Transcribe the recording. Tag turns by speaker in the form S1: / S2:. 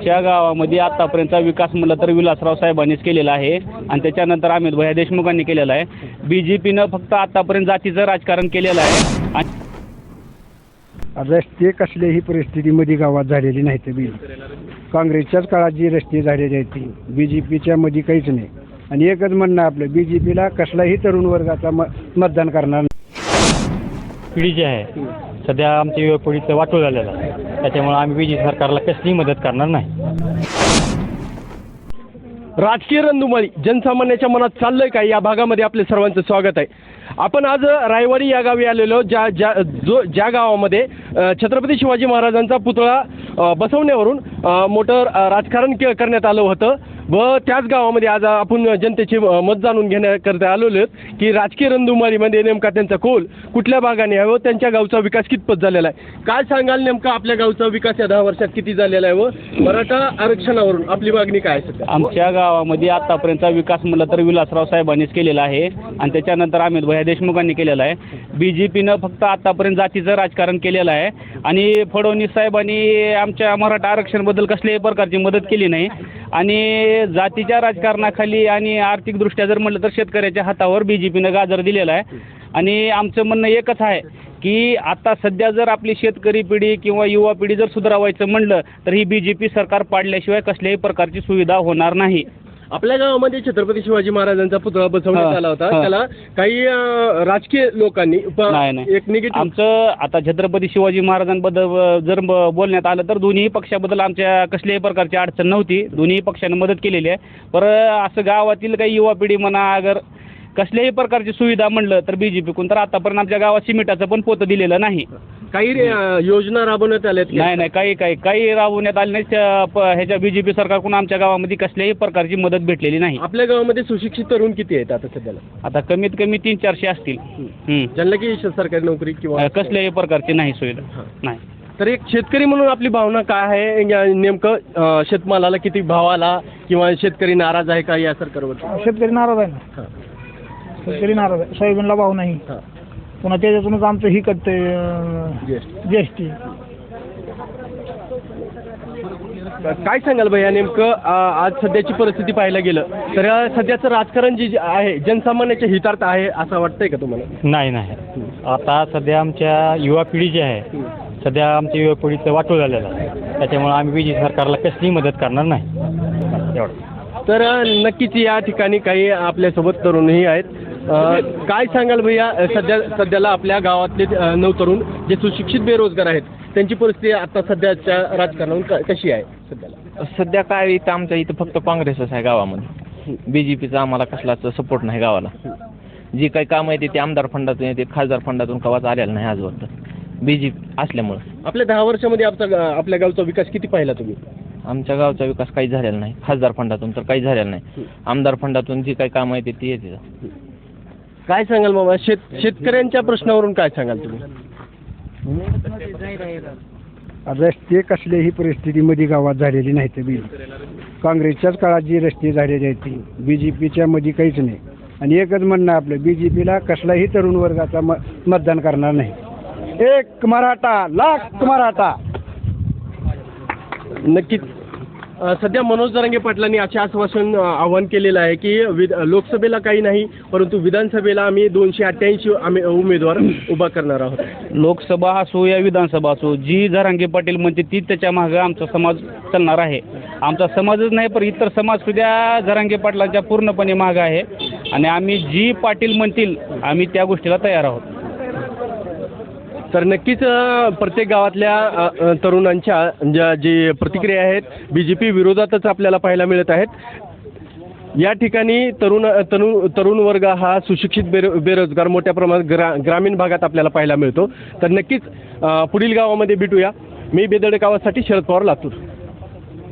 S1: आमच्या गावामध्ये आतापर्यंतचा विकास म्हटलं तर विलासराव साहेबांनीच केलेला आहे आणि त्याच्यानंतर अमित भैया देशमुखांनी केलेला आहे. BJPनं फक्त आतापर्यंत जातीचं राजकारण केलेलं आहे. आणि
S2: रस्ते कसल्याही परिस्थितीमध्ये गावात झालेली नाहीत. काँग्रेसच्याच काळात जी रस्ते झालेली आहेत ती BJPच्या मध्ये काहीच नाही. आणि एकच म्हणणं आपलं, BJPला कसलाही तरुण वर्गाचा मतदान करणार नाही.
S3: पिढी जी आहे सध्या आमच्या युवा पिढीचं वाटोळ झालेलं आहे. त्याच्यामुळे आम्ही BJP सरकारला कसलीही मदत करणार नाही.
S4: राजकीय रणधुमाळी जनसामान्याच्या मनात चाललंय काय, या भागामध्ये आपले सर्वांचं स्वागत आहे. आपण आज रायवाडी या गावी आलेलो, ज्या गावामध्ये छत्रपती शिवाजी महाराजांचा पुतळा बसवण्यावरून मोठं राजकारण करण्यात आलं होतं व त्याच गावामध्ये आज आपण जनतेचे मत जाणून घेण्याकरता आलेलो आहेत की राजकीय रणधुमाळीमध्ये नेमका त्यांचा कौल कुठल्या भागाने आहे व त्यांच्या गावचा विकास कितपत झालेला आहे. काय सांगाल नेमका आपल्या गावचा विकास या 10 वर्षात किती झालेला आहे व मराठा आरक्षणावरून आपली मागणी काय आहे?
S1: आमच्या गावामध्ये आतापर्यंतचा विकास म्हटलं तर विलासराव साहेबांनीच केलेला आहे आणि त्याच्यानंतर अमित भैया देशमुखांनी केलेला आहे. BJPनं फक्त आतापर्यंत जातीचं राजकारण केलेलं आहे आणि फडणवीस साहेबांनी आमच्या मराठा आरक्षणाबद्दल कसल्याही प्रकारची मदत केली नाही. आणि जातीच्या राजकारणाखाली आणि आर्थिकदृष्ट्या जर म्हटलं तर शेतकऱ्याच्या हातावर BJPनं गाजर दिलेला आहे. आणि आमचं म्हणणं एकच आहे की आता सध्या जर आपली शेतकरी पिढी किंवा युवा पिढी जर सुधारावायचं म्हणलं तर ही BJP सरकार पाडल्याशिवाय कसल्याही प्रकारची सुविधा होणार नाही.
S4: आपल्या गावामध्ये छत्रपती शिवाजी महाराजांचा पुतळा बसवण्यात आला होता, त्याला काही राजकीय लोकांनी एक निगेटिव्ह.
S1: आमचं आता छत्रपती शिवाजी महाराजांबद्दल जर बोलण्यात आलं तर दोन्ही पक्षाबद्दल आमच्या कसल्याही प्रकारची अडचण नव्हती. दोन्ही पक्षांनी मदत केलेली आहे. पण असं गावातील काही युवा पिढी म्हणा अगर कसल्याही प्रकारची सुविधा म्हणलं तर BJPकडून तर आतापर्यंत आमच्या गावात सिमेंटाचं पण पोतं दिलेलं नाही.
S4: काही योजना राबवण्यात आल्यात?
S1: नाही, काही राबवण्यात आले नाही. ह्याच्या BJP सरकारकडून आमच्या गावामध्ये कसल्याही प्रकारची मदत भेटलेली नाही.
S4: आपल्या गावामध्ये सुशिक्षित तरुण किती आहेत आता सध्याला?
S1: आता कमीत कमी 300-400 असतील.
S4: ज्यांना की सरकारी नोकरी किंवा
S1: कसल्याही प्रकारची नाही सुविधा नाही.
S4: तर एक शेतकरी म्हणून आपली भावना काय आहे, नेमकं शेतमालाला किती भाव आला किंवा शेतकरी नाराज आहे का या सरकारवर?
S2: शेतकरी नाराज आहे ना, शेतकरी नाराज आहे. सोयाबीनला भाव नाही, पुन्हा त्याच्यातूनच आमचं ही कटते GST.
S4: काय सांगाल भैया नेमकं आज सध्याची परिस्थिती पाहायला गेलं तर सध्याचं राजकारण जे आहे जनसामान्याच्या हितार्थ आहे असं वाटतंय का तुम्हाला?
S3: नाही. आता सध्या आमच्या युवा पिढी जी आहे सध्या आमच्या युवा पिढीचं वाटोळ झालेलं आहे. त्याच्यामुळे आम्ही BJP सरकारला कसलीही मदत करणार नाही. एवढं.
S4: तर नक्कीच या ठिकाणी काही आपल्यासोबत तरुणही आहेत. काय सांगाल भैया, सध्याला आपल्या गावातले 9 तरुण जे सुशिक्षित बेरोजगार आहेत त्यांची परिस्थिती आता सध्याच्या राजकारणावर कशी आहे सध्याला?
S5: सध्या काय इथं आमच्या इथं फक्त काँग्रेसच आहे गावामध्ये. BJPचा आम्हाला कसलाच सपोर्ट नाही गावाला. जी काही कामं येते ते आमदार फंडातून येते, खासदार फंडातून कवाच आलेलं नाही आजवर BJP असल्यामुळं.
S4: आपल्या 10 वर्षामध्ये आपल्या गावचा विकास किती पाहिला तुम्ही?
S5: आमच्या गावचा विकास काही झालेला नाही. खासदार फंडातून तर काही झालेलं नाही. आमदार फंडातून जी काही कामं येते ती येते.
S4: काय सांगाल बाबा, शेतकऱ्यांच्या प्रश्नावरून काय सांगाल तुम्ही?
S2: रस्ते कसल्याही परिस्थितीमध्ये गावात झालेली नाहीत. काँग्रेसच्याच काळात जी रस्ते झालेली आहेत ती BJPच्या मध्ये काहीच नाही. आणि एकच म्हणणं आपलं, BJPला कसलाही तरुण वर्गाचा मतदान करणार नाही. एक मराठा लाख मराठा.
S4: नक्कीच सध्या मनोज जरांगे पाटलांनी असे आश्वासन आवाहन केलेलं आहे की लोकसभेला काही नाही परंतु विधानसभेला आम्ही 288 उमेदवार उभा करणार आहोत.
S1: लोकसभा असो या विधानसभा असो, जी जरांगे पाटील म्हणते ती त्याच्या मागं आमचा समाज चालणार आहे. आमचा समाजच नाही पण इतर समाज सुद्धा जरांगे पाटलांच्या पूर्णपणे मागं आहे. आणि आम्ही जी पाटील म्हणतील आम्ही त्या गोष्टीला तयार आहोत.
S4: तर नक्कीच प्रत्येक गावातल्या तरुणांच्या जी प्रतिक्रिया आहेत BJP विरोधातच आपल्याला पाहायला मिळत आहेत. या ठिकाणी तरुण वर्ग हा सुशिक्षित बेरोजगार मोठ्या प्रमाणात ग्रामीण भागात आपल्याला पाहायला मिळतो. तर नक्कीच पुढील गावामध्ये भेटूया. मी बेदडे गावासाठी शरद पवार, लातूर.